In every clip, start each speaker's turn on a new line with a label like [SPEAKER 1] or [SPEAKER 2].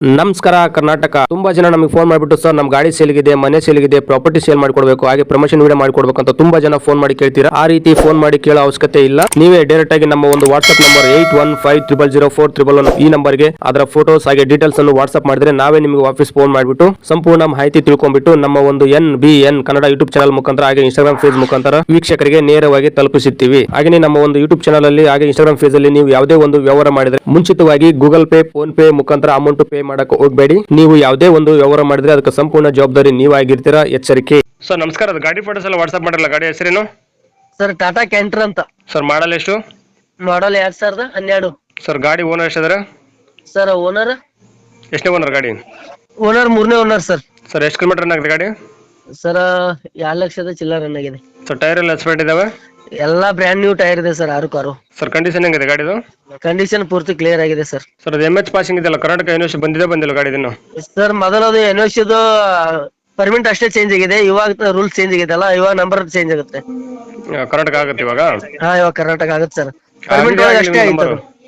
[SPEAKER 1] ನಮಸ್ಕಾರ ಕರ್ನಾಟಕ. ತುಂಬಾ ಜನ ನಮಗೆ ಫೋನ್ ಮಾಡಿಬಿಟ್ಟು ಸರ್ ನಮ್ಮ ಗಾಡಿ ಸೇಲ್ಗಿದೆ, ಮನೆ ಸೇಲ್ಗಿದೆ, ಪ್ರಾಪರ್ಟಿ ಸೇಲ್ ಮಾಡಿಕೊಡ್ಬೇಕು, ಹಾಗೆ ಪ್ರಮೋಷನ್ ವಿಡಿಯೋ ಮಾಡಿಕೊಡ್ಬೇಕು ಅಂತ ತುಂಬಾ ಜನ ಫೋನ್ ಮಾಡಿ ಕೇಳ್ತೀರಾ. ಆ ರೀತಿ ಫೋನ್ ಮಾಡಿ ಕೇಳೋ ಅವಶ್ಯಕತೆ ಇಲ್ಲ. ನೀವೇ ಡೈರೆಕ್ಟ್ ಆಗಿ ನಮ್ಮ ಒಂದು ವಾಟ್ಸ್ಆಪ್ ನಂಬರ್ 81500411 ಈ ನಂಬರ್ಗೆ ಅದರ ಫೋಟೋಸ್ ಹಾಗೆ ಡೀಟೇಲ್ಸ್ ಅನ್ನು ವಾಟ್ಸ್ಆಪ್ ಮಾಡಿದ್ರೆ ನಾವೇ ನಿಮಗೆ ವಾಪಸ್ ಫೋನ್ ಮಾಡಿಬಿಟ್ಟು ಸಂಪೂರ್ಣ ಮಾಹಿತಿ ತಿಳ್ಕೊಂಡ್ಬಿಟ್ಟು ನಮ್ಮ ಒಂದು NBN ಕನ್ನಡ ಯೂಟ್ಯೂಬ್ ಚಾನಲ್ ಮುಖಾಂತರ ಹಾಗೆ ಇನ್ಸ್ಟಾಗ್ರಾಮ್ ಪೇಜ್ ಮುಖಾಂತರ ವೀಕ್ಷಕರಿಗೆ ನೇರವಾಗಿ ತಲುಪಿಸುತ್ತೀವಿ. ಹಾಗೆ ನಮ್ಮ ಒಂದು ಯೂಟ್ಯೂಬ್ ಚಾನಲ್ ಅಲ್ಲಿ ಹಾಗೆ ಇನ್ಸ್ಟಾಗ್ರಾಮ್ ಪೇಜ್ ಅಲ್ಲಿ ನೀವು ಯಾವುದೇ ಒಂದು ವ್ಯವಹಾರ ಮಾಡಿದ್ರೆ ಮುಂಚಿತವಾಗಿ ಗೂಗಲ್ ಪೇ, ಫೋನ್ ಪೇ ಮುಖಾಂತರ ಅಮೌಂಟ್ ಪೇ ಮಾಡಕ್ಕೆ ಹೋಗಬೇಡಿ. ನೀವು ಯಾವುದೇ ಒಂದು ವ್ಯವಹಾರ ಮಾಡಿದ್ರೆ ಅದಕ್ಕೆ ಸಂಪೂರ್ಣ ಜವಾಬ್ದಾರಿ ನೀವಾಗಿರ್ತೀರಾ, ಎಚ್ಚರಿಕೆ. ಸರ್ ನಮಸ್ಕಾರ, ಅದು ಗಾಡಿ ಫೋಟೋಸ್ ಎಲ್ಲ ವಾಟ್ಸ್ಆಪ್ ಮಾಡಿರಲ್ಲ, ಗಾಡಿ ಹೆಸರೇನು
[SPEAKER 2] ಸರ್? ಟಾಟಾ ಕ್ಯಾಂಟರ್ ಅಂತ.
[SPEAKER 1] ಸರ್ ಮಾಡಲ್ ಎಷ್ಟು?
[SPEAKER 2] ಮಾಡಲ್ 2012.
[SPEAKER 1] ಸರ್ ಗಾಡಿ ಓನರ್ ಎಷ್ಟಿದಾರೆ?
[SPEAKER 2] ಸರ್ ಓನರ್
[SPEAKER 1] ಎಷ್ಟನೇ ಓನರ್ ಗಾಡಿ?
[SPEAKER 2] ಓನರ್ 3ನೇ ಓನರ್ ಸರ್.
[SPEAKER 1] ಸರ್ ಎಷ್ಟು ಕಿಲೋಮೀಟರ್ ರನ್ ಆಗಿದೆ ಗಾಡಿ?
[SPEAKER 2] ಸರ್ 2 ಲಕ್ಷದ ಚಿಲ್ಲರ್ ರನ್ ಆಗಿದೆ.
[SPEAKER 1] ಸರ್ ಟೈರ್ ಎಲ್ಲ ಎಕ್ಸ್ಪೈರ್ಡ್ ಇದಾವೆ?
[SPEAKER 2] ಎಲ್ಲಾ ಬ್ರ್ಯಾಂಡ್ ನ್ಯೂ ಟೈರ್ ಇದೆ ಸರ್, 6 ಕಾರು.
[SPEAKER 1] ಸರ್ ಕಂಡೀಷನ್ ಹೆಂಗಿದೆ ಗಾಡಿದು?
[SPEAKER 2] ಕಂಡೀಷನ್ ಪೂರ್ತಿ ಕ್ಲಿಯರ್ ಆಗಿದೆ ಸರ್.
[SPEAKER 1] ಸರ್ ಅದು MH ಪಾಸಿಂಗ್ ಇದೆಯಲ್ಲ, ಕರ್ನಾಟಕ ಯೂನಿವರ್ಸಿಟಿ ಬಂದಿಲ್ಲ ಗಾಡಿ ಇದನ್ನು?
[SPEAKER 2] ಸರ್ ಮೊದಲದು ಎನ್ಒಸಿದು ಪರ್ಮಿಟ್ ಅಷ್ಟೇ ಚೇಂಜ್ ಆಗಿದೆ, ಇವಾಗ ರೂಲ್ಸ್ ಚೇಂಜ್ ಆಗಿದೆಲ್ಲ, ಇವಾಗ ನಂಬರ್ ಚೇಂಜ್ ಆಗುತ್ತೆ.
[SPEAKER 1] ಕರ್ನಾಟಕ ಆಗುತ್ತೆ ಇವಾಗ?
[SPEAKER 2] ಇವಾಗ ಕರ್ನಾಟಕ ಆಗುತ್ತೆ ಸರ್. ಪರ್ಮಿಟ್ ಒಳಗೆ ಅಷ್ಟೇ ಆಯ್ತು.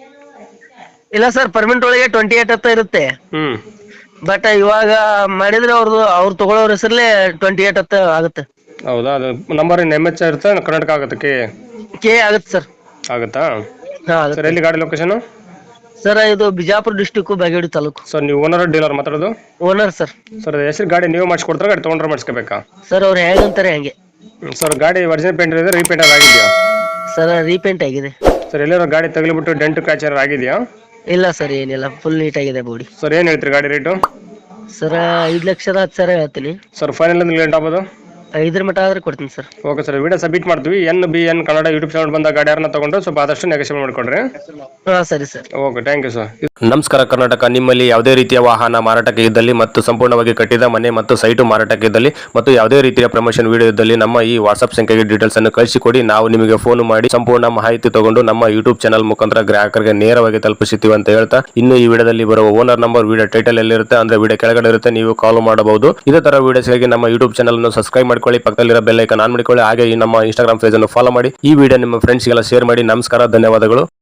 [SPEAKER 2] ಇಲ್ಲ ಸರ್, ಪರ್ಮಿಟ್ ಒಳಗೆ 28 ಅಂತ ಇರುತ್ತೆ. ಬಟ್ ಇವಾಗ ಮಾಡಿದ್ರೆ ಅವ್ರು ತಗೊಳ್ಳೋರ ಹೆಸರಲ್ಲೇ 28 ಅಂತ ಆಗುತ್ತೆ.
[SPEAKER 1] ಹೌದಾ? ಅದು ನಂಬರ್ MH ಇರುತ್ತೆ, ಕರ್ನಾಟಕ ಆಗುತ್ತೆ?
[SPEAKER 2] ಕೆ ಆಗುತ್ತೆ ಸರ್.
[SPEAKER 1] ಆಗುತ್ತಾ?
[SPEAKER 2] ಹಾ
[SPEAKER 1] ಸರ್
[SPEAKER 2] ಆಗುತ್ತೆ
[SPEAKER 1] ಎಲ್ಲಿ ಗಾಡಿ ಲೊಕೇಶನ್?
[SPEAKER 2] ಸರ್. ಇದು ಬಿಜಾಪುರ ಡಿಸ್ಟಿಕ್, ಬಾಗೇವಾಡಿ ತಾಲೂಕು.
[SPEAKER 1] ಸರ್ ನೀವು ಓನರ್ ಡೀಲರ್ ಮಾತಾಡೋದು?
[SPEAKER 2] Owner sir.
[SPEAKER 1] ಸರ್ ಹೆಸರು ಗಾಡಿ ನೀವು ಮಾಡಿಸ್ಕೊಡ್ತಾರೆ, ಗಾಡಿ ತೊಗೊಂಡ್ರೆ ಮಾಡಿಸ್ಕೋಬೇಕಾ?
[SPEAKER 2] ಸರ್ ಅವ್ರು ಹೇಗಂತಾರೆ ಹಂಗೆ.
[SPEAKER 1] ಸರ್ ಗಾಡಿ ಒರಿಜಿನಲ್ ಪೇಂಟ್ ಇದೆ, ರೀಪೇಂಟ್ ಆಗಿದೆಯಾ?
[SPEAKER 2] ಸರ್ ರೀಪೇಂಟ್ ಆಗಿದೆ.
[SPEAKER 1] ಸರ್ ಎಲ್ಲರೂ ಗಾಡಿ ತಗಲಿಬಿಟ್ಟು ಡೆಂಟ್ ಕ್ಯಾಚ್ ಏನಾರು ಆಗಿದೆಯಾ?
[SPEAKER 2] ಇಲ್ಲ ಸರ್, ಏನಿಲ್ಲ, ಫುಲ್ ನೀಟ್ ಆಗಿದೆ ಬಾಡಿ.
[SPEAKER 1] ಸರ್ ಏನು ಹೇಳ್ತೀರಿ ಗಾಡಿ ರೇಟು?
[SPEAKER 2] ಸರ್ 5,10,000 ಹೇಳ್ತೀನಿ.
[SPEAKER 1] ಸರ್ ಫೈನಲ್ ಅಂದ್ರೆ ಲೇಟ್ ಆಗ್ಬೋದು?
[SPEAKER 2] 5 ಮಟ್ಟ ಆದ್ರೆ ಕೊಡ್ತೀನಿ sir.
[SPEAKER 1] Okay sir, video submit ಮಾಡ್ತೀವಿ. NBN ಕನ್ನಡ ಯೂಟ್ಯೂಬ್ ಚಾನಲ್ ಬಂದ ಗಾಡಿ ಯಾರನ್ನ ತಗೊಂಡು ಸ್ವಲ್ಪ ಆದಷ್ಟು ನೆಗೋಷಿಯೇಟ್ ಮಾಡಿಕೊಡ್ರಿ.
[SPEAKER 2] ಹಾ ಸರಿ sir.
[SPEAKER 1] Okay, thank you sir. ನಮಸ್ಕಾರ ಕರ್ನಾಟಕ. ನಿಮ್ಮಲ್ಲಿ ಯಾವುದೇ ರೀತಿಯ ವಾಹನ ಮಾರಾಟಕ್ಕೆ ಇದ್ದಲ್ಲಿ ಮತ್ತು ಸಂಪೂರ್ಣವಾಗಿ ಕಟ್ಟಿದ ಮನೆ ಮತ್ತು ಸೈಟು ಮಾರಾಟಕ್ಕೆ ಇದ್ದಲ್ಲಿ ಮತ್ತು ಯಾವುದೇ ರೀತಿಯ ಪ್ರಮೋಷನ್ ವಿಡಿಯೋ ಇದ್ದಲ್ಲಿ ನಮ್ಮ ಈ ವಾಟ್ಸ್ಆಪ್ ಸಂಖ್ಯೆಗೆ ಡೀಟೇಲ್ಸ್ ಅನ್ನು ಕಳಿಸಿಕೊಡಿ. ನಾವು ನಿಮಗೆ ಫೋನ್ ಮಾಡಿ ಸಂಪೂರ್ಣ ಮಾಹಿತಿ ತಗೊಂಡು ನಮ್ಮ ಯೂಟ್ಯೂಬ್ ಚಾನಲ್ ಮುಖಾಂತರ ಗ್ರಾಹಕರಿಗೆ ನೇರವಾಗಿ ತಲುಪಿಸುತ್ತೀವಿ ಅಂತ ಹೇಳ್ತಾ, ಇನ್ನು ಈ ವಿಡಿಯೋದಲ್ಲಿ ಬರುವ ಓನರ್ ನಂಬರ್ ವಿಡಿಯೋ ಟೈಟಲ್ ಎಲ್ಲಿರುತ್ತೆ ಅಂದ್ರೆ ವಿಡಿಯೋ ಕೆಳಗಡೆ ಇರುತ್ತೆ, ನೀವು ಕಾಲ್ ಮಾಡಬಹುದು. ಇದೇ ತರ ವಿಡಿಯೋಸ್ಗಾಗಿ ನಮ್ಮ ಯೂಟ್ಯೂಬ್ ಚಾನಲ್ ಅನ್ನು ಸಬ್ಸ್ಕ್ರೈಬ್ ಮಾಡ್ಕೊಳ್ಳಿ, ಪಕ್ಕದಲ್ಲಿರೋ ಬೆಲ್ ಐಕಾನ್ ಆನ್ ಮಾಡಿಕೊಳ್ಳಿ, ಹಾಗೆ ಈ ನಮ್ಮ ಇನ್ಸ್ಟಾಗ್ರಾಮ್ ಪೇಜ್ ಅನ್ನು ಫಾಲೋ ಮಾಡಿ. ಈ ವಿಡಿಯೋ ನಿಮ್ಮ ಫ್ರೆಂಡ್ಸ್ಗೆಲ್ಲ ಶೇರ್ ಮಾಡಿ. ನಮಸ್ಕಾರ, ಧನ್ಯವಾದಗಳು.